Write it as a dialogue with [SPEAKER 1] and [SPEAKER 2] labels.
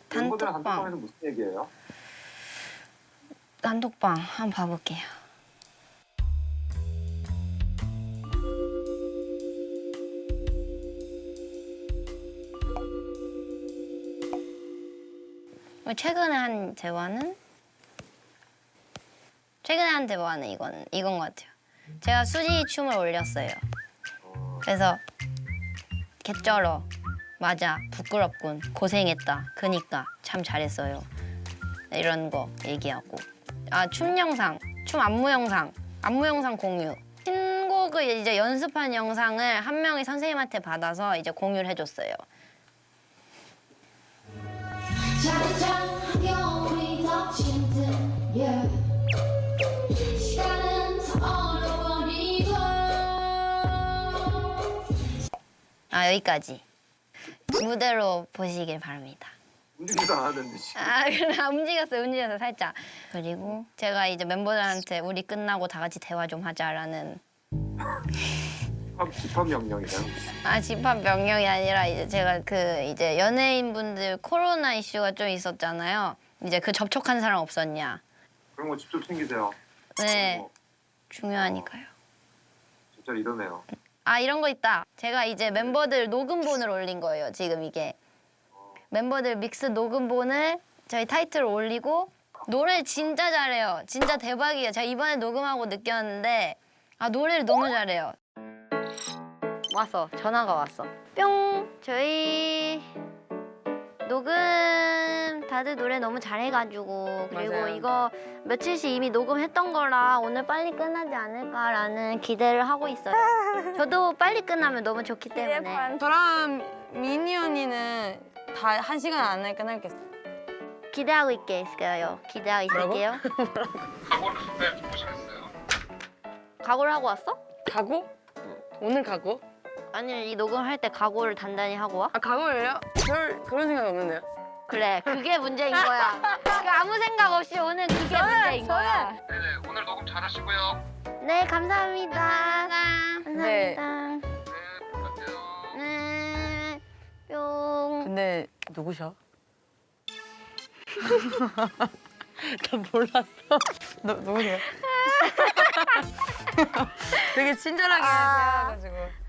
[SPEAKER 1] 멤버들
[SPEAKER 2] 단톡방.
[SPEAKER 1] 단톡방에서 무슨 얘기예요?
[SPEAKER 2] 단톡방 한번 봐볼게요. 최근에 한 대화는 이건 것 같아요. 제가 수지 춤을 올렸어요. 그래서 개쩔어. 맞아. 부끄럽군. 고생했다. 그니까 참 잘했어요. 이런 거 얘기하고. 아, 춤 영상. 춤 안무 영상 공유. 신곡을 이제 연습한 영상을 한 명이 선생님한테 받아서 이제 공유를 해줬어요.
[SPEAKER 3] 자잘한 겨울이 덮친 듯 yeah. 시간은 다 얼어버리고
[SPEAKER 2] 아, 여기까지. 무대로 보시길 바랍니다.
[SPEAKER 1] 움직이지도 않았는데 지금.
[SPEAKER 2] 아, 그냥 움직였어요, 살짝. 그리고 제가 이제 멤버들한테 우리 끝나고 다 같이 대화 좀 하자라는.
[SPEAKER 1] 집합 명령이네요.
[SPEAKER 2] 아, 집합 명령이 아니라 이제 제가 이제 연예인분들 코로나 이슈가 좀 있었잖아요. 이제 그 접촉한 사람 없었냐.
[SPEAKER 1] 그런 거 직접 챙기세요.
[SPEAKER 2] 네,
[SPEAKER 1] 뭐,
[SPEAKER 2] 중요하니까요.
[SPEAKER 1] 진짜 이러네요.
[SPEAKER 2] 아, 이런 거 있다. 제가 이제 멤버들 녹음본을 올린 거예요, 지금 이게. 멤버들 믹스 녹음본을 저희 타이틀 올리고 노래 진짜 잘해요. 진짜 대박이에요. 제가 이번에 녹음하고 느꼈는데 아, 노래를 너무 잘해요. 왔어. 전화가 왔어. 뿅. 저희 녹음 다들 노래 너무 잘해가지고 그리고
[SPEAKER 4] 맞아요.
[SPEAKER 2] 이거 며칠씩 이미 녹음했던 거라 오늘 빨리 끝나지 않을까라는 기대를 하고 있어요. 저도 빨리 끝나면 너무 좋기 때문에
[SPEAKER 4] 저랑 미니 언니는 다 1시간 안에 끝날겠어.
[SPEAKER 2] 기대하고 있겠어요. 기대하고 있을게요.
[SPEAKER 5] 각오를 준비해보시겠어요?
[SPEAKER 2] 각오를 하고 왔어?
[SPEAKER 4] 각오? 오늘 각오?
[SPEAKER 2] 아니, 이 녹음할 때 각오를 단단히 하고 와?
[SPEAKER 4] 아 각오를요? 그런 생각이 없는데요.
[SPEAKER 2] 그래, 그게 문제인 거야. 그 아무 생각 없이 오늘 그게 문제인 거야.
[SPEAKER 5] 네네, 오늘 녹음 잘하시고요.
[SPEAKER 2] 네, 감사합니다.
[SPEAKER 4] 네.
[SPEAKER 2] 감사합니다.
[SPEAKER 5] 네, 부탁해요.
[SPEAKER 2] 네, 뿅.
[SPEAKER 4] 근데 누구셔? 나 몰랐어. 누구세요? 되게 친절하게 대화해가지고.